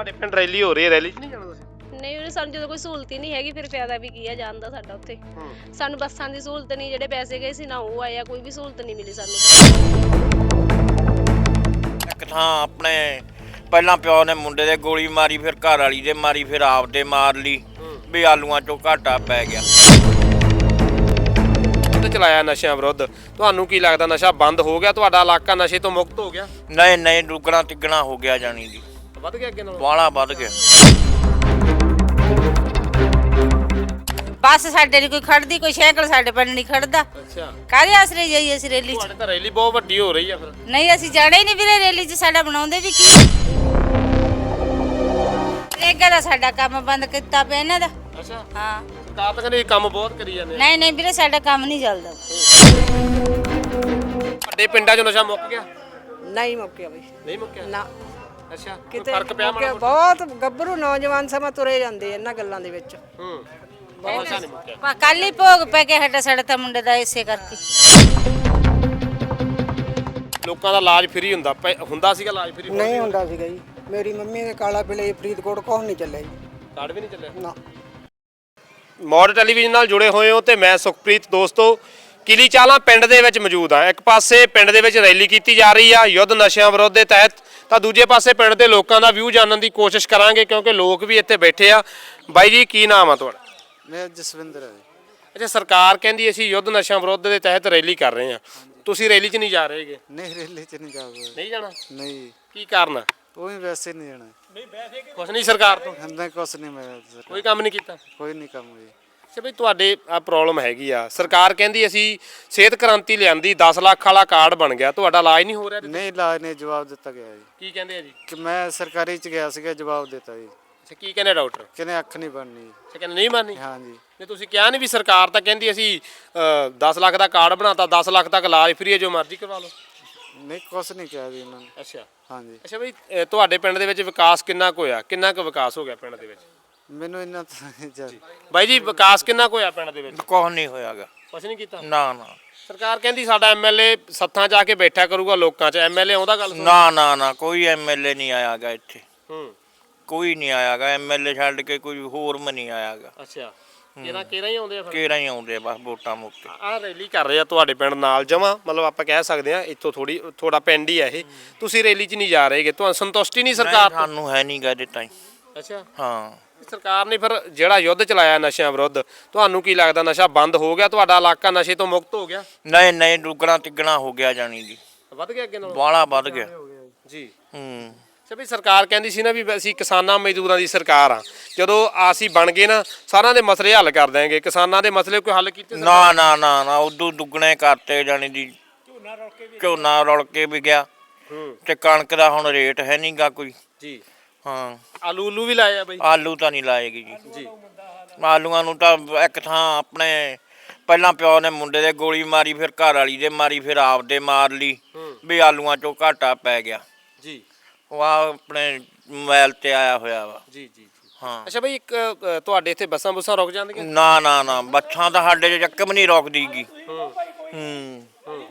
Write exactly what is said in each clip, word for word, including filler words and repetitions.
ਤੁਹਾਡੇ ਪਿੰਡ ਰੈਲੀ ਹੋ ਰਹੀ ਹੈ, ਰੈਲੀ 'ਚ ਨਹੀਂ ਜਾਣਾ ਤੁਸੀਂ? ਨਹੀਂ ਉਹਨੇ ਸਾਨੂੰ ਜਦੋਂ ਕੋਈ ਸਹੂਲਤ ਹੀ ਨਹੀਂ ਹੈਗੀ ਫਿਰ ਫਾਇਦਾ ਵੀ ਕੀ ਆ ਜਾਣ ਦਾ ਸਾਡਾ ਉੱਥੇ। ਸਾਨੂੰ ਬੱਸਾਂ ਦੀ ਸਹੂਲਤ ਨਹੀਂ, ਜਿਹੜੇ ਪੈਸੇ ਗਏ ਸੀ ਨਾ ਉਹ ਆਇਆ, ਕੋਈ ਵੀ ਸਹੂਲਤ ਨਹੀਂ ਮਿਲੀ ਸਾਨੂੰ। ਇੱਕ ਥਾਂ ਆਪਣੇ ਪਹਿਲਾਂ ਪਿਓ ਨੇ ਮੁੰਡੇ ਦੇ ਗੋਲੀ ਮਾਰੀ, ਫਿਰ ਘਰ ਵਾਲੀ ਦੇ ਮਾਰੀ, ਫਿਰ ਆਪ ਦੇ ਮਾਰ ਲਈ ਵੀ ਆਲੂਆਂ ਚੋਂ ਘਾਟਾ ਪੈ ਗਿਆ। ਤੇ ਚਲਾਇਆ ਨਸ਼ਿਆਂ ਵਿਰੁੱਧ, ਤੁਹਾਨੂੰ ਕੀ ਲੱਗਦਾ ਨਸ਼ਾ ਬੰਦ ਹੋ ਗਿਆ, ਤੁਹਾਡਾ ਇਲਾਕਾ ਨਸ਼ੇ ਤੋਂ ਮੁਕਤ ਹੋ ਗਿਆ? ਨਹੀਂ ਨਹੀਂ, ਦੁੱਗਣਾ ਤਿੱਗਣਾ ਹੋ ਗਿਆ ਜਾਣੀ ਦੀ, ਵੱਧ ਗਿਆ ਅੱਗੇ ਨਾਲੋਂ? ਬਾਹਲਾ ਵੱਧ ਗਿਆ। ਬੱਸ ਸਾਡੇ ਨਹੀਂ ਕੋਈ ਖੜਦੀ, ਕੋਈ ਸਾਈਕਲ ਸਾਡੇ ਪਿੰਡ ਨਹੀਂ ਖੜਦਾ। ਅੱਛਾ, ਕਾਹਦੇ ਆਸਰੇ ਜਾਈਏ ਅਸੀਂ ਰੈਲੀ 'ਚ? ਤੁਹਾਡੇ ਤਾਂ ਰੈਲੀ ਬਹੁਤ ਵੱਡੀ ਹੋ ਰਹੀ ਆ ਫਿਰ। ਨਹੀਂ ਅਸੀਂ ਜਾਣਾ ਹੀ ਨਹੀਂ ਵੀਰੇ ਰੈਲੀ 'ਚ, ਸਾਡਾ ਬਣਾਉਂਦੇ ਵੀ ਕੀ। ਰੇਗਾ ਦਾ ਸਾਡਾ ਕੰਮ ਬੰਦ ਕੀਤਾ ਪਿਆ ਇਹਨਾਂ ਦਾ। ਅੱਛਾ, ਹਾਂ ਸਰਕਾਰ ਤਾਂ ਕਹਿੰਦੀ ਕੰਮ ਬਹੁਤ ਕਰੀ ਜਾਂਦੇ ਆ। ਨਹੀਂ ਨਹੀਂ ਵੀਰੇ ਸਾਡਾ ਕੰਮ ਨਹੀਂ ਚੱਲਦਾ। ਵੱਡੇ ਪਿੰਡਾਂ 'ਚ ਨਸ਼ਾ ਮੁੱਕ ਗਿਆ? ਨਹੀਂ ਮੁੱਕਿਆ ਬਈ, ਨਹੀਂ ਮੁੱਕਿਆ ਨਾ ਅੱਛਾ, ਕੋਈ ਕਿਤੇ ਫਰਕ ਪਿਆ ਮਾੜਾ ਮੁੱਕਿਆ। ਮੋਟਾ? ਬਹੁਤ ਗੱਭਰੂ ਨੌਜਵਾਨ ਸਮਾਂ ਤੁਰੇ ਜਾਂਦੇ ਇਹਨਾਂ ਗੱਲਾਂ ਦੇ ਵਿੱਚ। ਹੂੰ, ਬਹੁਤ ਨਸ਼ਾ ਨਹੀਂ ਮੁੱਕਿਆ। ਕੱਲ ਹੀ ਭੋਗ ਪੈ ਕੇ ਹਟਾ ਸਾਡਾ ਤਾਂ ਮੁੰਡੇ ਦਾ ਇਸੇ ਕਰਕੇ। ਲੋਕਾਂ ਦਾ ਇਲਾਜ ਫ੍ਰੀ ਹੁੰਦਾ ਪੈ- ਹੁੰਦਾ ਸੀਗਾ ਇਲਾਜ ਫ੍ਰੀ? ਨਹੀਂ ਹੁੰਦਾ ਸੀਗਾ ਜੀ। ਮੇਰੀ ਮੰਮੀ ਦੇ ਕਾਲਾ ਪਿਲੇ ਫਰੀਦਕੋਟ ਕੋਹ ਨਹੀਂ ਚੱਲਿਆ ਜੀ। ਕਾਰਡ ਵੀ ਨਹੀਂ ਚੱਲਿਆ ਨਾ। ਮੌੜ ਟੈਲੀਵਿਜ਼ਨ ਨਾਲ ਜੁੜੇ ਹੋਏ ਹੋ ਤੇ ਮੈਂ ਸੁਖਪ੍ਰੀਤ ਦੋਸਤੋ ਕਿਲੀ ਚਾਲਾ ਪਿੰਡ ਦੇ ਵਿੱਚ ਮੌਜੂਦ ਹਾਂ। ਇੱਕ ਪਾਸੇ ਪਿੰਡ ਦੇ ਵਿੱਚ ਰੈਲੀ ਕੀਤੀ ਜਾ ਰਹੀ ਆ ਯੁੱਧ ਨਸ਼ਿਆਂ ਵਿਰੁੱਧ ਦੇ ਤਹਿਤ, ਤਾਂ ਦੂਜੇ ਪਾਸੇ ਪਿੰਡ ਦੇ ਲੋਕਾਂ ਦਾ ਵਿਊ ਜਾਣਨ ਦੀ ਕੋਸ਼ਿਸ਼ ਕਰਾਂਗੇ ਕਿਉਂਕਿ ਲੋਕ ਵੀ ਇੱਥੇ ਬੈਠੇ ਆ। ਬਾਈ ਜੀ ਕੀ ਨਾਮ ਆ ਤੁਹਾਡਾ? ਮੈਂ ਜਸਵਿੰਦਰ ਹੈ। ਅੱਛਾ, ਸਰਕਾਰ ਕਹਿੰਦੀ ਅਸੀਂ ਯੁੱਧ ਨਸ਼ਿਆਂ ਵਿਰੁੱਧ ਦੇ ਤਹਿਤ ਰੈਲੀ ਕਰ ਰਹੇ ਹਾਂ, ਤੁਸੀਂ ਰੈਲੀ 'ਚ ਨਹੀਂ ਜਾ ਰਹੇਗੇ? ਨਹੀਂ ਰੈਲੀ ਚ ਨਹੀਂ ਜਾਊਗਾ। ਨਹੀਂ ਜਾਣਾ? ਨਹੀਂ ਕੀ ਕਾਰਨ ਆ? ਉਹ ਵੀ ਵੈਸੇ ਨਹੀਂ ਜਾਣਾ। ਕੁਛ ਨਹੀਂ ਸਰਕਾਰ ਤੋਂ? ਹੰਦਾ ਕੁਛ ਨਹੀਂ ਮੈਂ ਕੋਈ ਕੰਮ ਨਹੀਂ ਕੀਤਾ? ਕੋਈ ਨਹੀਂ ਕੰਮ ਹੋਈ। ਅੱਛਾ ਬਈ, ਤੁਹਾਡੇ ਆ ਪ੍ਰੋਬਲਮ ਹੈਗੀ ਆ, ਸਰਕਾਰ ਕਹਿੰਦੀ ਅਸੀਂ ਸਿਹਤ ਕ੍ਰਾਂਤੀ ਲਿਆਂਦੀ, ਦਸ ਲੱਖ ਵਾਲਾ ਕਾਰਡ ਬਣ ਗਿਆ, ਤੁਹਾਡਾ ਇਲਾਜ ਨਹੀਂ ਹੋ ਰਿਹਾ? ਨਹੀਂ ਇਲਾਜ ਨੇ ਜਵਾਬ ਦਿੱਤਾ ਗਿਆ ਜੀ ਕੀ ਕਹਿੰਦੇ ਆ ਜੀ? ਕਿ ਮੈਂ ਸਰਕਾਰੀ ਚ ਗਿਆ ਸੀਗਾ, ਜਵਾਬ ਦਿੱਤਾ ਜੀ। ਅੱਛਾ, ਕੀ ਕਹਿੰਦੇ ਡਾਕਟਰ? ਕਹਿੰਦੇ ਅੱਖ ਨਹੀਂ ਬਣਨੀ। ਅੱਛਾ, ਕਹਿੰਦੇ ਨਹੀਂ ਮੰਨਨੀ? ਹਾਂ ਜੀ। ਨਹੀਂ ਤੁਸੀਂ ਕਿਹਾ ਨਹੀਂ ਵੀ ਸਰਕਾਰ ਤਾਂ ਕਹਿੰਦੀ ਅਸੀਂ ਦਸ ਲੱਖ ਦਾ ਕਾਰਡ ਬਣਾਤਾ, ਦਸ ਲੱਖ ਤੱਕ ਇਲਾਜ ਫ੍ਰੀ ਹੈ, ਜੋ ਮਰਜ਼ੀ ਕਰਵਾ ਲਓ? ਨਹੀਂ ਕੁਛ ਨਹੀਂ ਕਿਹਾ ਜੀ ਇਹਨਾਂ ਨੇ। ਅੱਛਾ ਹਾਂ ਜੀ। ਅੱਛਾ ਬਈ, ਅ, ਤੁਹਾਡੇ ਪਿੰਡ ਦੇ ਵਿੱਚ ਵਿਕਾਸ ਕਿੰਨਾ ਕੁ ਹੋਇਆ, ਕਿੰਨਾ ਕੁ ਵਿਕਾਸ ਹੋ ਗਿਆ ਪਿੰਡ ਦੇ ਵਿੱਚ? ਮੈਨੂੰ ਇਹਨਾਂ ਤਾਂ ਨਹੀਂ ਜਾਣ। ਬਾਈ ਜੀ ਵਿਕਾਸ ਕਿੰਨਾ ਕੁ ਹੋਇਆ ਪਿੰਡ ਦੇ ਵਿੱਚ? ਕੁਛ ਨਹੀਂ ਹੋਇਆਗਾ। ਕੁਛ ਨਹੀਂ ਕੀਤਾ? ਨਾ ਨਾ ਸਰਕਾਰ ਕਹਿੰਦੀ ਸਾਡਾ ਐਮਐਲਏ ਸੱਥਾਂ ਜਾ ਕੇ ਬੈਠਾ ਕਰੂਗਾ ਲੋਕਾਂ 'ਚ, ਐਮਐਲਏ ਆਉਂਦਾ ਗੱਲ ਸੁਣ? ਨਾ ਨਾ ਨਾ, ਕੋਈ ਐਮਐਲਏ ਨਹੀਂ ਆਇਆਗਾ ਇੱਥੇ, ਹੂੰ, ਕੋਈ ਨਹੀਂ ਆਇਆਗਾ ਐਮਐਲਏ ਛੱਡ ਕੇ, ਕੋਈ ਹੋਰ ਵੀ ਨਹੀਂ ਆਇਆਗਾ। ਅੱਛਾ, ਕਿਹੜਾ ਕਿਹੜਾ ਹੀ ਆਉਂਦੇ ਆ ਫਿਰ? ਕਿਹੜਾ ਹੀ ਆਉਂਦੇ ਆ ਬਸ ਵੋਟਾਂ ਮੁੱਕੇ। ਆਹ ਰੈਲੀ ਕਰ ਰਹੇ ਆ ਤੁਹਾਡੇ ਪਿੰਡ ਨਾਲ ਜਮਾ, ਮਤਲਬ ਆਪਾਂ ਕਹਿ ਸਕਦੇ ਆ ਇੱਥੋਂ ਥੋੜੀ ਥੋੜਾ ਪਿੰਡ ਹੀ ਆ ਇਹ, ਤੁਸੀਂ ਰੈਲੀ 'ਚ ਨਹੀਂ ਜਾ ਰਹੇਗੇ, ਤੁਹਾਨੂੰ ਸੰਤੁਸ਼ਟੀ ਨਹੀਂ ਸਰਕਾਰ ਤੋਂ? ਸਾਨੂੰ ਹੈ ਨਹੀਂ ਗਾ ਦਿੱਤਾ। ਅੱਛਾ, ਹਾਂ, ਸਰਕਾਰ ਨੇ ਫਿਰ ਜਿਹੜਾ ਯੁੱਧ ਚਲਾਇਆ ਨਸ਼ਿਆਂ ਵਿਰੁੱਧ, ਤੁਹਾਨੂੰ ਕੀ ਲੱਗਦਾ ਨਸ਼ਾ ਬੰਦ ਹੋ ਗਿਆ, ਤੁਹਾਡਾ ਇਲਾਕਾ ਨਸ਼ੇ ਤੋਂ ਮੁਕਤ ਹੋ ਗਿਆ? ਨਹੀਂ ਨਹੀਂ, ਦੁੱਗਣਾ ਤਿੱਗਣਾ ਹੋ ਗਿਆ ਜਾਣੀ ਦੀ, ਵੱਧ ਗਿਆ ਅੱਗੇ ਨਾਲੋਂ? ਬਾਹਲਾ ਵੱਧ ਗਿਆ। ਜੀ। ਹੂੰ, ਅੱਛਾ ਵੀ ਸਰਕਾਰ ਕਹਿੰਦੀ ਸੀ ਨਾ ਵੀ ਅਸੀਂ ਕਿਸਾਨਾਂ ਮਜ਼ਦੂਰਾਂ ਦੀ ਸਰਕਾਰ ਆ, ਜਦੋਂ ਅਸੀਂ ਬਣ ਗਏ ਨਾ ਸਾਰਿਆਂ ਦੇ ਮਸਲੇ ਹੱਲ ਕਰ ਦੇਵਾਂਗੇ, ਕਿਸਾਨਾਂ ਦੇ ਮਸਲੇ ਕੋਈ ਹੱਲ ਕੀਤੇ? ਨਾ ਨਾ ਨਾ ਨਾ, ਉਦੋਂ ਦੁੱਗਣੇ ਕਰਤੇ ਜਾਣੀ ਦੀ, ਝੋਨਾ ਰੁਲ ਕੇ ਵੀ ਗਿਆ ਹੂੰ, ਤੇ ਕਣਕ ਦਾ ਹੁਣ ਰੇਟ ਹੈ ਨਹੀਂਗਾ ਕੋਈ। ਜੀ। ਹਾਂ, ਆਲੂ ਉਲੂ ਵੀ ਲਾਏ ਆ ਬਈ? ਆਲੂ ਤਾਂ ਨਹੀਂ ਲਾਏਗੀ ਜੀ। ਜੀ। ਆਲੂਆਂ ਨੂੰ ਤਾਂ ਇੱਕ ਥਾਂ ਆਪਣੇ ਪਹਿਲਾਂ ਪਿਓ ਨੇ ਮੁੰਡੇ ਦੇ ਗੋਲੀ ਮਾਰੀ, ਫਿਰ ਘਰ ਵਾਲੀ ਦੇ ਮਾਰੀ, ਫਿਰ ਆਪ ਦੇ ਮਾਰ ਲਈ ਵੀ ਆਲੂਆਂ ਚੋਂ ਘਾਟਾ ਪੈ ਗਿਆ। ਜੀ। ਉਹ ਆ ਆਪਣੇ ਮੋਬਾਈਲ ਤੇ ਆਇਆ ਹੋਇਆ ਵਾ। ਜੀ ਜੀ। ਹਾਂ। ਅੱਛਾ ਬਈ, ਇੱਕ ਅ, ਤੁਹਾਡੇ ਇੱਥੇ ਬੱਸਾਂ ਬੁੱਸਾਂ ਰੁਕ ਜਾਂਦੀਆਂ? ਨਾ ਨਾ ਨਾ, ਬੱਸਾਂ ਤਾਂ ਸਾਡੇ ਚੱਕ ਵੀ ਨਹੀਂ ਰੋਕਦੀਗੀ। ਹੂੰ ਹੂੰ,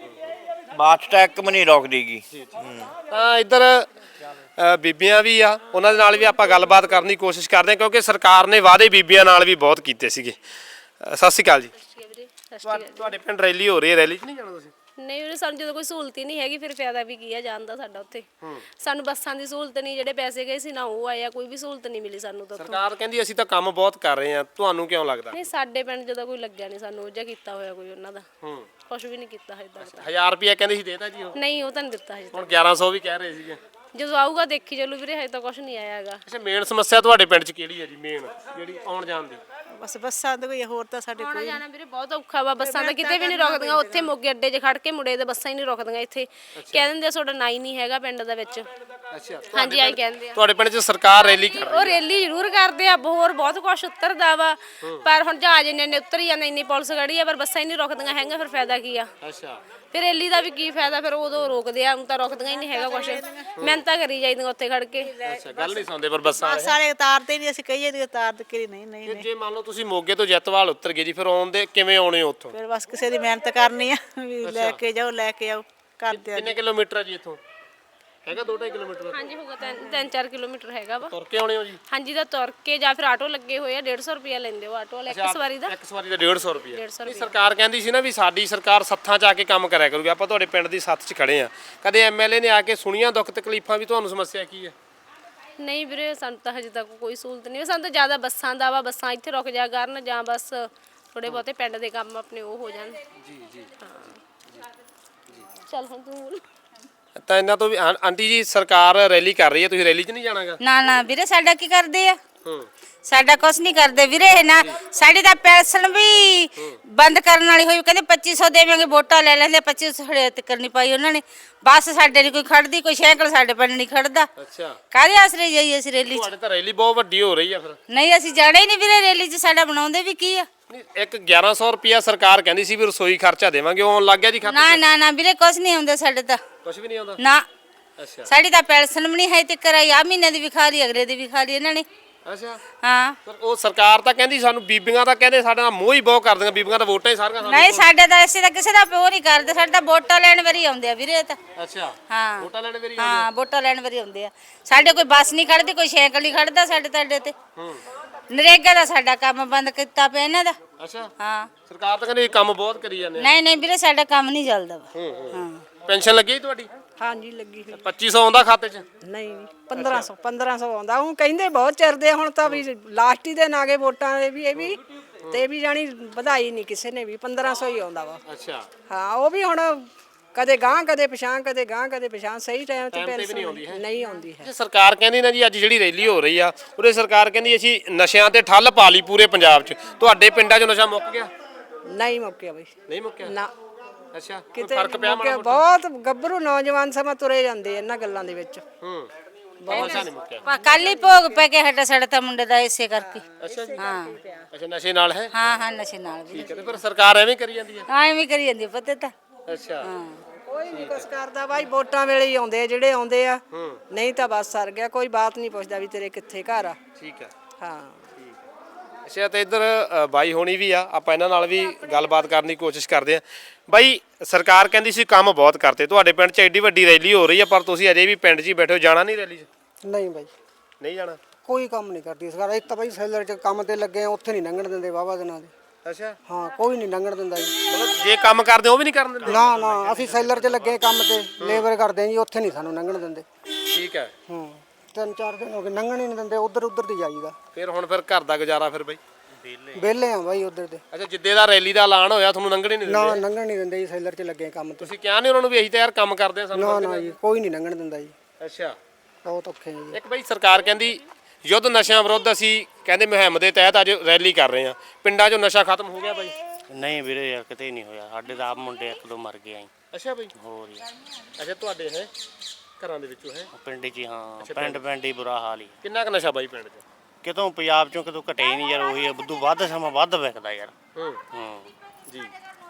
ਬੱਸ ਤਾਂ ਇੱਕ ਵੀ ਨਹੀਂ ਰੋਕਦੀਗੀ। ਤਾਂ ਇੱਧਰ ਅ, ਬੀਬੀਆਂ ਵੀ ਆ, ਉਹਨਾਂ ਦੇ ਨਾਲ ਵੀ ਆਪਾਂ ਗੱਲਬਾਤ ਕਰਨ ਦੀ ਕੋਸ਼ਿਸ਼ ਕਰਦੇ ਹਾਂ ਕਿਉਂਕਿ ਸਰਕਾਰ ਨੇ ਵਾਅਦੇ ਬੀਬੀਆਂ ਨਾਲ ਵੀ ਬਹੁਤ ਕੀਤੇ ਸੀਗੇ। ਅ, ਸਤਿ ਸ਼੍ਰੀ ਅਕਾਲ ਜੀ। ਤੁਹਾਡੇ ਪਿੰਡ ਰੈਲੀ ਹੋ ਰਹੀ ਹੈ, ਰੈਲੀ 'ਚ ਨਹੀਂ ਜਾਣਾ ਤੁਸੀਂ? ਨਹੀਂ ਉਹਨੇ ਸਾਨੂੰ ਜਦੋਂ ਕੋਈ ਸਹੂਲਤ ਹੀ ਨਹੀਂ ਹੈਗੀ ਫਿਰ ਫਾਇਦਾ ਵੀ ਕੀ ਆ ਜਾਣ ਦਾ ਸਾਡਾ ਉੱਥੇ। ਸਾਨੂੰ ਬੱਸਾਂ ਦੀ ਸਹੂਲਤ ਨਹੀਂ, ਜਿਹੜੇ ਪੈਸੇ ਗਏ ਸੀ ਨਾ ਉਹ ਆਇਆ, ਕੋਈ ਵੀ ਸਹੂਲਤ ਨਹੀਂ ਮਿਲੀ ਸਾਨੂੰ ਤਾਂ ਉੱਥੋਂ। ਸਰਕਾਰ ਕਹਿੰਦੀ ਅਸੀਂ ਤਾਂ ਕੰਮ ਬਹੁਤ ਕਰ ਰਹੇ ਹਾਂ, ਤੁਹਾਨੂੰ ਕਿਉਂ ਲੱਗਦਾ? ਨਹੀਂ ਸਾਡੇ ਪਿੰਡ ਜਦੋਂ ਕੋਈ ਲੱਗਿਆ ਨਹੀਂ ਸਾਨੂੰ, ਉਹ ਜਿਹਾ ਕੀਤਾ ਹੋਇਆ ਕੋਈ ਉਹਨਾਂ ਦਾ, ਹੂੰ, ਕੁਛ ਵੀ ਨਹੀਂ ਕੀਤਾ ਹਜੇ ਤੱਕ। ਹਜ਼ਾਰ ਰੁਪਇਆ ਕਹਿੰਦੇ ਸੀ ਦੇਤਾ ਜੀ ਉਹ? ਨਹੀਂ ਉਹ ਤਾਂ ਨਹੀਂ ਦਿੱਤਾ ਹਜੇ ਹੁਣ ਤੱਕ। ਗਿਆਰਾਂ ਸੌ ਵੀ ਕਹਿ ਰਹੇ ਸੀਗੇ। ਜਦੋਂ ਆਊਗਾ ਦੇਖੀ ਚੱਲੂ ਵੀਰੇ, ਹਜੇ ਤਾਂ ਕੁਛ ਨਹੀਂ ਆਇਆ ਹੈਗਾ। ਅੱਛਾ, ਮੇਨ ਸਮੱਸਿਆ ਤੁਹਾਡੇ ਪਿੰਡ 'ਚ ਕਿਹੜੀ ਹੈ ਜੀ, ਮੇਨ ਜਿਹੜੀ ਆਉਣ ਜਾਣ ਦੀ? ਬਸ ਬੱਸਾਂ ਦਾ ਕੋਈ ਹੋਰ ਤਾਂ ਸਾਡੇ ਆਉਣਾ ਜਾਣਾ ਵੀਰੇ ਬਹੁਤ ਔਖਾ ਵਾ, ਬੱਸਾਂ ਤਾਂ ਕਿਤੇ ਵੀ ਨਹੀਂ ਰੁਕਦੀਆਂ, ਉੱਥੇ ਮੋਗੇ ਅੱਡੇ 'ਚ ਖੜ ਕੇ ਮੁੰਡੇ ਦੇ ਬੱਸਾਂ ਹੀ ਨਹੀਂ ਰੁਕਦੀਆਂ ਇੱਥੇ। ਕਹਿ ਦਿੰਦੇ ਆ ਤੁਹਾਡਾ ਨਾ ਹੀ ਨਹੀਂ ਹੈਗਾ ਪਿੰਡ ਦੇ ਵਿੱਚ। ਅੱਛਾ, ਹਾਂਜੀ ਆਈ ਕਹਿੰਦੇ ਆ। ਤੁਹਾਡੇ ਪਿੰਡ 'ਚ ਸਰਕਾਰ ਰੈਲੀ ਕਰ ਰਹੀ ਉਹ ਰੈਲੀ ਜ਼ਰੂਰ ਕਰਦੇ ਆ, ਹੋਰ ਬਹੁਤ ਕੁਛ ਉਤਰਦਾ ਵਾ, ਪਰ ਹੁਣ ਜਹਾਜ਼ ਇੰਨੇ ਇੰਨੇ ਉਤਰ ਹੀ ਜਾਂਦੇ, ਇੰਨੀ ਪੁਲਿਸ ਖੜੀ ਆ, ਪਰ ਬੱਸਾਂ ਹੀ ਨਹੀਂ ਰੁਕਦੀਆਂ ਹੈਗੀਆਂ, ਫਿਰ ਫਾਇਦਾ ਕੀ ਆ? ਅੱਛਾ, ਫਿਰ ਰੈਲੀ ਦਾ ਵੀ ਕੀ ਫਾਇਦਾ, ਫਿਰ ਉਦੋਂ ਰੋਕਦੇ ਆ, ਹੁਣ ਤਾਂ ਰੁਕਦੀਆਂ ਹੀ ਨਹੀਂ ਹੈਗਾ ਕੁਛ, ਮਿਹਨਤਾਂ ਕਰੀ ਜਾਈਦੀਆਂ ਉੱਥੇ ਖੜ ਕੇ। ਅੱਛਾ, ਗੱਲ ਨਹੀਂ ਸੁਣਦੇ ਪਰ ਬੱਸਾਂ ਵਾਲੇ। ਸਾਰੇ ਉਤਾਰਦੇ ਨਹੀਂ, ਅਸੀਂ ਕਹੀਏ ਨਹੀਂ ਉਤਾਰਦੇ ਕਿ ਨਹੀਂ ਨਹੀਂ ਜੇ- ਜੇ ਮੰਨ ਲਓ ਤੁਸੀਂ ਮੋਗੇ ਤੋਂ ਜੈਤਵਾਲ ਉਤਰ ਗਏ ਜੀ, ਫਿਰ ਆਉਂਦੇ ਕਿਵੇਂ ਆਉਣੇ ਹੋ ਉੱਥੋਂ? ਫਿਰ ਬਸ ਕਿਸੇ ਦੀ ਮਿਹਨਤ ਕਰਨੀ ਆ ਵੀ ਲੈ ਕੇ ਜਾਓ ਲੈ ਕੇ ਆਓ ਕਰਦੇ ਆ। ਕਿੰਨੇ ਕਿਲੋਮੀਟਰ ਆ ਜੀ ਇੱਥੋਂ? ਹੈਗਾ ਦੋ ਢਾਈ ਕਿਲੋਮੀਟਰ? ਹਾਂਜੀ ਹੋਗਾ ਤਿੰਨ ਚਾਰ ਕਿਲੋਮੀਟਰ ਹੈਗਾ ਵਾ। ਤੁਰ ਕੇ ਆਉਣੇ ਹੋ ਜੀ? ਹਾਂਜੀ ਦਾ ਤੁਰ ਕੇ ਜਾਂ ਫਿਰ ਆਟੋ ਲੱਗੇ ਹੋਏ ਆ, ਡੇਢ ਸੌ ਰੁਪਿਆ ਲੈਂਦੇ ਉਹ ਆਟੋ ਵਾਲੇ ਇੱਕ ਸਵਾਰੀ ਦਾ। ਇੱਕ ਸਵਾਰੀ ਦਾ ਡੇਢ ਸੌ ਰੁਪਏ। ਡੇਢ ਸੌ ਨਹੀਂ, ਸਰਕਾਰ ਕਹਿੰਦੀ ਸੀ ਨਾ ਵੀ ਸਾਡੀ ਸਰਕਾਰ ਸੱਥਾਂ 'ਚ ਆ ਕੇ ਕੰਮ ਕਰਿਆ ਕਰੂਗੀ। ਆਪਾਂ ਤੁਹਾਡੇ ਪਿੰਡ ਦੀ ਸੱਥ 'ਚ ਖੜੇ ਆ, ਕਦੇ ਐਮਐਲਏ ਨੇ ਆ ਕੇ ਸੁਣੀਆਂ ਦੁੱਖ ਤਕਲੀਫਾਂ ਵੀ? ਤੁਹਾਨੂੰ ਸਮੱਸਿਆ ਕੀ ਹੈ? ਨਹੀਂ ਵੀਰੇ ਸਾਨੂੰ ਤਾਂ ਹਜੇ ਤੱਕ ਕੋਈ ਸਹੂਲਤ ਨਹੀਂ। ਸਾਨੂੰ ਤਾਂ ਜ਼ਿਆਦਾ ਬੱਸਾਂ ਦਾ ਵਾ, ਬੱਸਾਂ ਇੱਥੇ ਰੁਕ ਜਾ ਕਰਨ ਜਾਂ ਬਸ ਥੋੜੇ ਬਹੁਤੇ ਪਿੰਡ ਦੇ ਕੰਮ ਆਪਣੇ ਉਹ ਹੋ ਜਾਣ। ਜੀ ਜੀ ਚੱਲ ਹੁਣ ਤੂੰ ਬੋਲ। ਤਾਂ ਇਹਨਾਂ ਤੋਂ ਵੀ ਆਂ- ਆਂਟੀ ਜੀ ਸਰਕਾਰ ਰੈਲੀ ਕਰ ਰਹੀ ਹੈ, ਤੁਸੀਂ ਰੈਲੀ 'ਚ ਨਹੀਂ ਜਾਣਾਗਾ? ਨਾ ਨਾ ਵੀਰੇ ਸਾਡਾ ਕੀ ਕਰਦੇ ਆ? ਹੂੰ ਸਾਡਾ ਕੁਛ ਨਹੀਂ ਕਰਦੇ ਵੀਰੇ। ਇਹ ਨਾ ਸਾਡੀ ਤਾਂ ਪੈਨਸ਼ਨ ਵੀ ਬੰਦ ਕਰਨ ਵਾਲੀ ਹੋਈ, ਕਹਿੰਦੇ ਪੱਚੀ ਸੌ ਦੇਵਾਂਗੇ, ਵੋਟਾਂ ਲੈ ਲੈਂਦੇ, ਪੱਚੀ ਸੌ ਹੜੇ ਤੱਕ ਨਹੀਂ ਪਾਈ ਉਹਨਾਂ ਨੇ। ਬੱਸ ਸਾਡੇ ਨਹੀਂ ਕੋਈ ਖੜਦੀ, ਕੋਈ ਸਾਈਕਲ ਸਾਡੇ ਪਿੰਡ ਨਹੀਂ ਖੜਦਾ। ਅੱਛਾ, ਕਾਹਦੇ ਆਸਰੇ ਜਾਈਏ ਅਸੀਂ ਰੈਲੀ 'ਚ? ਤੁਹਾਡੇ ਤਾਂ ਰੈਲੀ ਬਹੁਤ ਵੱਡੀ ਹੋ ਰਹੀ ਆ ਫਿਰ। ਨਹੀਂ ਅਸੀਂ ਜਾਣਾ ਹੀ ਨਹੀਂ ਵੀਰੇ ਰੈਲੀ 'ਚ, ਸਾਡਾ ਬਣਾਉਂਦੇ ਵੀ ਕੀ ਆ? ਨਹੀਂ, ਇੱਕ ਗਿਆਰਾਂ ਸੌ ਰੁਪਿਆ ਸਰਕਾਰ ਕਹਿੰਦੀ ਸੀ ਵੀ ਰਸੋਈ ਖਰਚਾ ਦੇਵਾਂਗੇ, ਉਹ ਆਉਣ ਲੱਗ ਗਿਆ ਜੀ ਖਾਤੇ ਨਾ 'ਚ? ਨਾ ਨਾ ਵੀਰੇ ਕੁਛ ਨਹੀਂ ਆਉਂਦਾ ਸਾਡੇ ਤਾਂ। ਕੁਝ ਵੀ ਨਹੀਂ ਆਉਂਦਾ? ਨਾ ਅੱਛਾ ਸਾਡੀ ਤਾਂ ਪੈਨਸ਼ਨ ਵੀ ਨਹੀਂ ਹੈ ਤੇ ਕਰਾਈ ਆ ਮਹੀਨੇ ਦੀ ਵੀ ਖਾ ਲਈ, ਅਗਲੇ ਦੀ ਵੀ ਖਾ ਲਈ ਇਹਨਾਂ ਨੇ। ਅੱਛਾ, ਹਾਂ ਪਰ ਉਹ ਸਰਕਾਰ ਤਾਂ ਕਹਿੰਦੀ ਸਾਨੂੰ ਬੀਬੀਆਂ ਤਾਂ ਕਹਿੰਦੇ ਸਾਡੇ ਨਾਲ ਮੋਹ ਹੀ ਬਹੁਤ ਕਰਦੀਆਂ, ਬੀਬੀਆਂ ਤਾਂ ਵੋਟਾਂ ਹੀ ਸਾਰੀਆਂ ਸਾਨੂੰ। ਨਹੀਂ ਸਾਡੇ ਤਾਂ ਇਸੇ ਦਾ ਕਿਸੇ ਦਾ ਪਿਓ ਨਹੀਂ ਕਰਦੇ, ਸਾਡੇ ਤਾਂ ਵੋਟਾਂ ਲੈਣ ਵਾਰੀ ਆਉਂਦੇ ਆ ਵੀਰੇ ਇਹ ਤਾਂ। ਅੱਛਾ, ਹਾਂ ਵੋਟਾਂ ਲੈਣ ਵੇਰੀ ਹਾਂ ਵੋਟਾਂ ਲੈਣ ਵਾਰੀ ਆਉਂਦੇ ਆ। ਸਾਡੇ ਕੋਈ ਬੱਸ ਨਹੀਂ ਖੜਦੀ, ਕੋਈ ਸਾਈਕਲ ਨਹੀਂ ਖੜਦਾ ਸਾਡੇ ਤੁਹਾਡੇ ਤੇ। ਹੂੰ ਨਰੇਗਾ ਦਾ ਸਾਡਾ ਕੰਮ ਬੰਦ ਕੀਤਾ ਪਿਆ ਇਹਨਾਂ ਦਾ। ਅੱਛਾ, ਹਾਂ ਸਰਕਾਰ ਤਾਂ ਕਹਿੰਦੀ ਕੰਮ ਬਹੁਤ ਕਰੀ ਜਾਂਦੇ ਆ। ਨਹੀਂ ਨਹੀਂ ਵੀਰੇ ਸਾਡਾ ਕੰਮ ਨਹੀਂ ਚੱਲਦਾ ਵਾ। ਹੂੰ ਹੂੰ ਹਾਂ ਪੈਨਸ਼ਨ ਲੱਗੀ ਤੁਹਾਡੀ? ਹਾਂਜੀ ਲੱਗੀ ਹੋਈ। ਪੱਚੀ ਸੌ ਆਉਂਦਾ ਖਾਤੇ 'ਚ? ਨਹੀਂ ਪੰਦਰਾਂ ਸੌ ਪੰਦਰਾਂ ਸੌ ਆਉਂਦਾ। ਉਹ ਕਹਿੰਦੇ ਬਹੁਤ ਚਿਰਦੇ ਆ, ਹੁਣ ਤਾਂ ਵੀ ਲਾਸਟ ਹੀ ਦਿਨ ਆ ਗਏ ਵੋਟਾਂ ਦੇ ਵੀ। ਇਹ ਵੀ ਤੇ ਵੀ ਜਾਣੀ ਵਧਾਈ ਨਹੀਂ ਕਿਸੇ ਨੇ ਵੀ, ਪੰਦਰਾਂ ਸੌ ਹੀ ਆਉਂਦਾ ਵਾ। ਅੱਛਾ, ਹਾਂ ਉਹ ਵੀ ਹੁਣ ਕਦੇ ਗਾਂ ਕਦੇ ਪਛਾਂ, ਕਦੇ ਗਾਂ ਕਦੇ ਪਛਾਂ, ਸਹੀ ਟਾਈਮ ਤੇ Time ਤੇ ਵੀ ਪੈਨਸ਼ਨ ਨਹੀਂ ਆਉਂਦੀ ਹੈ? ਨਹੀਂ ਆਉਂਦੀ ਹੈ। ਜੇ ਸਰਕਾਰ ਕਹਿੰਦੀ ਨਾ ਜੀ ਅੱਜ ਜਿਹੜੀ ਰੈਲੀ ਹੋ ਰਹੀ ਆ ਉਹਦੇ ਸਰਕਾਰ ਕਹਿੰਦੀ ਅਸੀਂ ਨਸ਼ਿਆਂ ਤੇ ਠੱਲ ਪਾ ਲਈ ਪੂਰੇ ਪੰਜਾਬ 'ਚ, ਤੁਹਾਡੇ ਪਿੰਡਾਂ 'ਚ ਨਸ਼ਾ ਮੁੱਕ ਗਿਆ? ਨਹੀਂ ਮੁੱਕਿਆ ਬਈ, ਕੋਈ ਨਹੀਂ ਮੁੱਕਿਆ? ਨਾ ਅੱਛਾ, ਕੋਈ ਕਿਤੇ ਫਰਕ ਪਿਆ ਮੁੱਕਿਆ। ਮਾੜਾ ਮੋਟਾ? ਬਹੁਤ ਗੱਭਰੂ ਨੌਜਵਾਨ ਸਮਾਂ ਤੁਰੇ ਜਾਂਦੇ ਇਹਨਾਂ ਗੱਲਾਂ ਦੇ ਵਿੱਚ। ਹੂੰ ਨਸ਼ਾ ਨਹੀਂ ਮੁੱਕਿਆ? ਕੱਲ ਹੀ ਭੋਗ ਪੈ ਕੇ ਹਟਾ ਸਾਡਾ ਤਾਂ ਮੁੰਡੇ ਦਾ ਇਸੇ ਕਰਕੇ। ਅੱਛਾ ਜੀ, ਹਾਂ ਅੱਛਾ ਨਸ਼ੇ ਨਾਲ ਹੈ? ਹਾਂ ਹਾਂ ਨਸ਼ੇ ਨਾਲ ਵੀ। ਠੀਕ ਹੈ, ਤੇ ਫਿਰ ਸਰਕਾਰ ਐਵੇਂ ਕਰੀ ਜਾਂਦੀ ਹੈ? ਹਾਂ ਐਵੇਂ ਕਰੀ ਜਾਂਦੀ ਆ ਪਤਾ ਤਾਂ। ਅੱਛਾ, ਹਾਂ ਕੋਈ ਨਹੀਂ ਕੁਛ ਕਰਦਾ ਬਾਈ, ਵੋਟਾਂ ਵੇਲੇ ਹੀ ਆਉਂਦੇ ਆ ਜਿਹੜੇ ਆਉਂਦੇ ਆ, ਹੂੰ ਨਹੀਂ ਤਾਂ ਬਸ ਸਰ ਗਿਆ। ਕੋਈ ਬਾਤ ਨਹੀਂ ਪੁੱਛਦਾ ਵੀ ਤੇਰੇ ਕਿੱਥੇ ਘਰ ਆ। ਠੀਕ ਹੈ। ਹਾਂ ਅੱਛਾ, ਤੇ ਇੱਧਰ ਅ, ਬਾਈ ਹੋਣੀ ਵੀ ਆ, ਆਪਾਂ ਇਹਨਾਂ ਨਾਲ ਵੀ ਗੱਲਬਾਤ ਕਰਨ ਦੀ ਕੋਸ਼ਿਸ਼ ਕਰਦੇ ਆ। ਬਾਈ ਸਰਕਾਰ ਕਹਿੰਦੀ ਸੀ ਕੰਮ ਬਹੁਤ ਕਰਤੇ, ਤੁਹਾਡੇ ਪਿੰਡ 'ਚ ਐਡੀ ਵੱਡੀ ਰੈਲੀ ਹੋ ਰਹੀ ਆ ਪਰ ਤੁਸੀਂ ਅਜੇ ਵੀ ਪਿੰਡ 'ਚ ਹੀ ਬੈਠੇ ਹੋ, ਜਾਣਾ ਨਹੀਂ ਰੈਲੀ 'ਚ? ਨਹੀਂ ਬਾਈ ਨਹੀਂ ਜਾਣਾ? ਕੋਈ ਕੰਮ ਨਹੀਂ ਕਰਦੀ ਸਰਕਾਰ। ਇੱਕ ਤਾਂ ਬਾਈ ਸੈਲਰ 'ਚ ਕੰਮ ਤੇ ਲੱਗੇ ਆ, ਉੱਥੇ ਨਹੀਂ ਲੰਘਣ ਦਿੰਦੇ ਵਾਹਵਾ ਦਿਨਾਂ ਦੇ। ਅੱਛਾ, ਹਾਂ ਕੋਈ ਨਹੀਂ ਲੰਘਣ ਦਿੰਦਾ ਜੀ। ਮਤਲਬ ਜੇ ਕੰਮ ਕਰਦੇ ਉਹ ਵੀ ਨਹੀਂ ਕਰਨ ਦਿੰਦੇ? ਨਾ ਨਾ ਅਸੀਂ ਸੈਲਰ 'ਚ ਲੱਗੇ ਕੰਮ ਤੇ, ਲੇਬਰ ਕਰਦੇ ਆ ਜੀ, ਉੱਥੇ ਨਹੀਂ ਸਾਨੂੰ ਲੰਘਣ ਦਿੰਦੇ। ਠੀਕ ਹੈ, ਹੂੰ ਤਿੰਨ ਚਾਰ ਦਿਨ ਹੋ ਗਏ ਲੰਘਣ ਹੀ ਨਹੀਂ ਦਿੰਦੇ, ਉਧਰ ਉਧਰ ਦੀ ਜਾਈਦਾ। ਫਿਰ ਹੁਣ ਫਿਰ ਘਰ ਦਾ ਗੁਜ਼ਾਰਾ ਫਿਰ ਬਾਈ? ਵਿਹਲੇ ਆ ਬਾਈ ਉਧਰ ਦੇ। ਅੱਛਾ, ਜਿੱਦੇ ਦਾ ਰੈਲੀ ਦਾ ਐਲਾਨ ਹੋਇਆ ਤੁਹਾਨੂੰ ਲੰਘਣ ਹੀ ਨਹੀਂ ਨਾ ਦਿੰਦੇ? ਲੰਘਣ ਨਹੀਂ ਦਿੰਦੇ ਜੀ, ਸੈਲਰ 'ਚ ਲੱਗੇ ਆ ਕੰਮ ਤੇ। ਤੁਸੀਂ ਕਿਹਾ ਨਹੀਂ ਉਹਨਾਂ ਨੂੰ ਵੀ ਅਸੀਂ ਤਾਂ ਯਾਰ ਕੰਮ ਕਰਦੇ ਆ ਸਾਨੂੰ? ਨਾ ਨਾ ਜੀ ਕੋਈ ਨਹੀਂ ਲੰਘਣ ਦਿੰਦਾ ਜੀ, ਅੱਛਾ, ਬਹੁਤ ਔਖੇ ਆ ਜੀ। ਇੱਕ ਬਾਈ ਸਰਕਾਰ ਕਹਿੰਦੀ ਯੁੱਧ ਨਸ਼ਿਆਂ ਵਿਰੁੱਧ ਅਸੀਂ ਕਹਿੰਦੇ ਮੁਹਿੰਮ ਦੇ ਤਹਿਤ ਅੱਜ ਰੈਲੀ ਕਰ ਰਹੇ ਆ, ਪਿੰਡਾਂ 'ਚੋਂ ਨਸ਼ਾ ਖਤਮ ਹੋ ਗਿਆ ਬਾਈ? ਨਹੀਂ ਵੀਰੇ ਯਾਰ ਕਿਤੇ ਨਹੀਂ ਹੋਇਆ, ਸਾਡੇ ਤਾਂ ਆਪ ਮੁੰਡੇ ਇੱਕ ਦੋ ਮਰ ਗਏ ਆਂ। ਅੱਛਾ ਬਾਈ, ਹੋਰ ਯਾਰ ਅੱਛਾ ਤੁਹਾਡੇ ਹੈ ਘਰਾਂ ਦੇ ਵਿੱਚੋਂ ਹੈ? ਪਿੰਡ 'ਚ ਹੀ, ਹਾਂ ਪਿੰਡ ਪਿੰਡ ਹੀ ਬੁਰਾ ਹਾਲ ਹੀ। ਕਿੰਨਾ ਕੁ ਨਸ਼ਾ ਬਾਈ ਪਿੰਡ 'ਚ? ਕਿਤੋਂ ਪੰਜਾਬ 'ਚੋਂ ਕਿਤੋਂ ਘਟੇ ਹੀ ਨਹੀਂ ਯਾਰ, ਉਹੀ ਹੈ ਬੁੱਧੂ ਵੱਧ ਸਮਾਂ ਵੱਧ ਵਿਕਦਾ ਯਾਰ। ਹੂੰ ਹੂੰ ਜੀ,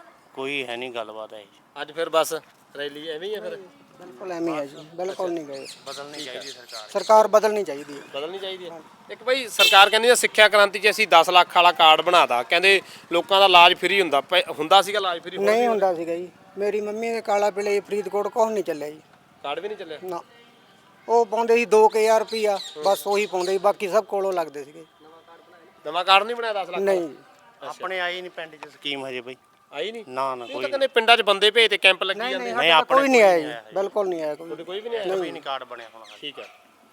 ਕੋਈ ਹੈ ਨਹੀਂ ਗੱਲਬਾਤ ਹੈ। ਅੱਜ ਫਿਰ ਬਸ ਰੈਲੀ ਐਵੇਂ ਹੀ ਹੈ ਫਿਰ? ਬਿਲਕੁਲ ਐਵੇਂ ਹੈ ਜੀ, ਬਿਲਕੁਲ ਨਹੀਂ ਗਏ। ਬਦਲਣੀ ਚਾਹੀਦੀ ਸਰਕਾਰ। ਸਰਕਾਰ ਬਦਲਣੀ ਚਾਹੀਦੀ ਹੈ। ਬਦਲਣੀ ਚਾਹੀਦੀ ਹੈ। ਇੱਕ ਬਾਈ ਸਰਕਾਰ ਕਹਿੰਦੀ ਹੈ ਸਿੱਖਿਆ ਕ੍ਰਾਂਤੀ 'ਚ ਅਸੀਂ ਦਸ ਲੱਖ ਵਾਲਾ ਕਾਰਡ ਬਣਾਤਾ, ਕਹਿੰਦੇ ਲੋਕਾਂ ਦਾ ਇਲਾਜ ਫ੍ਰੀ ਹੁੰਦਾ। ਪਹਿ- ਹੁੰਦਾ ਸੀਗਾ ਇਲਾਜ ਫ੍ਰੀ? ਨਹੀਂ ਹੁੰਦਾ ਸੀਗਾ ਜੀ। ਮੇਰੀ ਮੰਮੀ ਦੇ ਕਾਲਾ ਪਿਲੇ ਫਰੀਦਕੋਟ ਕੁਛ ਨਹੀਂ ਚੱਲਿਆ ਜੀ। ਕਾਰਡ ਵੀ ਨਹੀਂ ਚੱਲਿਆ? ਨਾ ਉਹ ਪਾਉਂਦੇ ਸੀ ਦੋ ਹਜ਼ਾਰ ਰੁਪਿਆ, ਬਸ ਉਹੀ ਪਾਉਂਦੇ ਸੀ, ਬਾਕੀ ਸਭ ਕੋਲੋਂ ਲੱਗਦੇ ਸੀਗੇ। ਨਵਾਂ ਕਾਰਡ ਨਹੀਂ ਬਣਾਇਆ ਦਸ ਲੱਖ? ਨਹੀਂ ਜੀ। ਆਪਣੇ ਆਈ ਨਹੀਂ ਪਿੰਡ 'ਚ ਸਕੀਮ ਹਜੇ ਬਈ। ਆਈ ਨਹੀਂ? ਨਾ ਨਾ ਉਹ ਕੋਈ ਤਾਂ ਕਹਿੰਦੇ ਪਿੰਡਾਂ 'ਚ ਬੰਦੇ ਭੇਜ ਤੇ ਕੈਂਪ ਲੱਗੀ ਜਾਂਦੇ। ਨਹੀਂ ਨਹੀਂ, ਆਪਣੇ ਆਪਣੇ ਕੋਈ ਨਹੀਂ ਆਇਆ ਜੀ, ਬਿਲਕੁਲ ਨਹੀਂ ਆਇਆ ਕੋਈ। ਤੁਹਾਡੇ ਕੋਈ ਵੀ ਨਹੀਂ ਆਇਆ? ਕੋਈ ਨਹੀਂ ਕਾਰਡ ਬਣਿਆ ਹੁਣ ਹਾਲੇ। ਠੀਕ ਹੈ।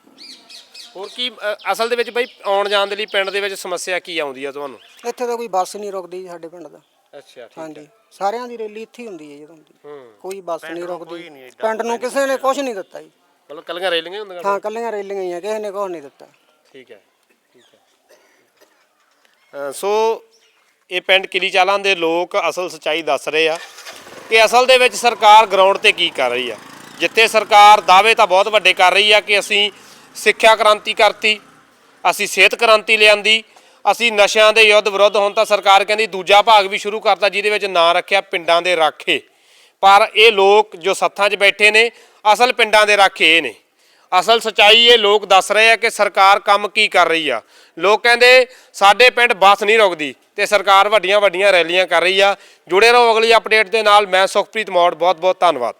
ਹੋਰ ਕੀ ਅ, ਅਸਲ ਦੇ ਵਿੱਚ ਬਾਈ ਆਉਣ ਜਾਣ ਦੇ ਲਈ ਪਿੰਡ ਦੇ ਵਿੱਚ ਸਮੱਸਿਆ ਕੀ ਆਉਂਦੀ ਆ ਤੁਹਾਨੂੰ? ਇੱਥੇ ਤਾਂ ਕੋਈ ਬੱਸ ਨਹੀਂ ਰੁਕਦੀ ਜੀ ਸਾਡੇ ਪਿੰਡ ਦਾ। ਅੱਛਾ, ਠੀਕ ਹਾਂਜੀ ਸਾਰਿਆਂ ਦੀ ਰੈਲੀ ਇੱਥੇ ਹੀ ਹੁੰਦੀ ਹੈ ਜਦੋਂ ਹੁੰਦੀ। ਹੂੰ, ਕੋਈ ਬੱਸ ਨਹੀਂ ਕੋਈ ਰੁਕਦੀ ਨਹੀਂ ਏਡਾ ਪਿੰਡ ਨੂੰ, ਕਿਸੇ ਨੇ ਕੁਛ ਨਹੀਂ ਦਿੱਤਾ ਜੀ। ਮਤਲਬ ਕੱਲੀਆਂ ਰੈਲੀਆਂ ਹੀ ਹੁੰਦੀਆਂ? ਹਾਂ ਕੱਲੀਆਂ ਰੈਲੀਆਂ ਹੀ ਆ, ਕਿਸੇ ਨੇ ਕੁਛ ਨਹੀਂ ਦਿੱਤਾ। ਠੀਕ ਹੈ, ਠੀਕ ਹੈ। ਅ, ਸੋ ਇਹ ਪਿੰਡ ਕਿਲੀ ਚਾਲਾਂ ਦੇ ਲੋਕ ਅਸਲ ਸੱਚਾਈ ਦੱਸ ਰਹੇ ਆ ਕਿ ਅਸਲ ਦੇ ਵਿੱਚ ਸਰਕਾਰ ਗਰਾਊਂਡ ਤੇ ਕੀ ਕਰ ਰਹੀ ਆ। ਜਿੱਥੇ ਸਰਕਾਰ ਦਾਅਵੇ ਤਾਂ ਬਹੁਤ ਵੱਡੇ ਕਰ ਰਹੀ ਆ ਕਿ ਅਸੀਂ ਸਿੱਖਿਆ ਕ੍ਰਾਂਤੀ ਕਰਤੀ, ਅਸੀਂ ਸਿਹਤ ਕ੍ਰਾਂਤੀ ਲਿਆਂਦੀ, ਅਸੀਂ ਨਸ਼ਿਆਂ ਦੇ ਯੁੱਧ ਵਿਰੁੱਧ, ਹੁਣ ਤਾਂ ਸਰਕਾਰ ਕਹਿੰਦੀ ਦੂਜਾ ਭਾਗ ਵੀ ਸ਼ੁਰੂ ਕਰਤਾ ਜਿਹਦੇ ਵਿੱਚ ਨਾਂ ਰੱਖਿਆ ਪਿੰਡਾਂ ਦੇ ਰਾਖੇ। ਪਰ ਇਹ ਲੋਕ ਜੋ ਸੱਥਾਂ 'ਚ ਬੈਠੇ ਨੇ ਅਸਲ ਪਿੰਡਾਂ ਦੇ ਰਾਖੇ ਇਹ ਨੇ। ਅਸਲ ਸੱਚਾਈ ਇਹ ਲੋਕ ਦੱਸ ਰਹੇ ਆ ਕਿ ਸਰਕਾਰ ਕੰਮ ਕੀ ਕਰ ਰਹੀ ਆ। ਲੋਕ ਕਹਿੰਦੇ ਸਾਡੇ ਪਿੰਡ ਬੱਸ ਨਹੀਂ ਰੁਕਦੀ ਤੇ ਸਰਕਾਰ ਵੱਡੀਆਂ ਵੱਡੀਆਂ ਰੈਲੀਆਂ ਕਰ ਰਹੀ ਆ। ਜੁੜੇ ਰਹੋ ਅਗਲੀ ਅਪਡੇਟ ਦੇ ਨਾਲ। ਮੈਂ ਸੁਖਪ੍ਰੀਤ ਮੌੜ, ਬਹੁਤ ਬਹੁਤ ਧੰਨਵਾਦ।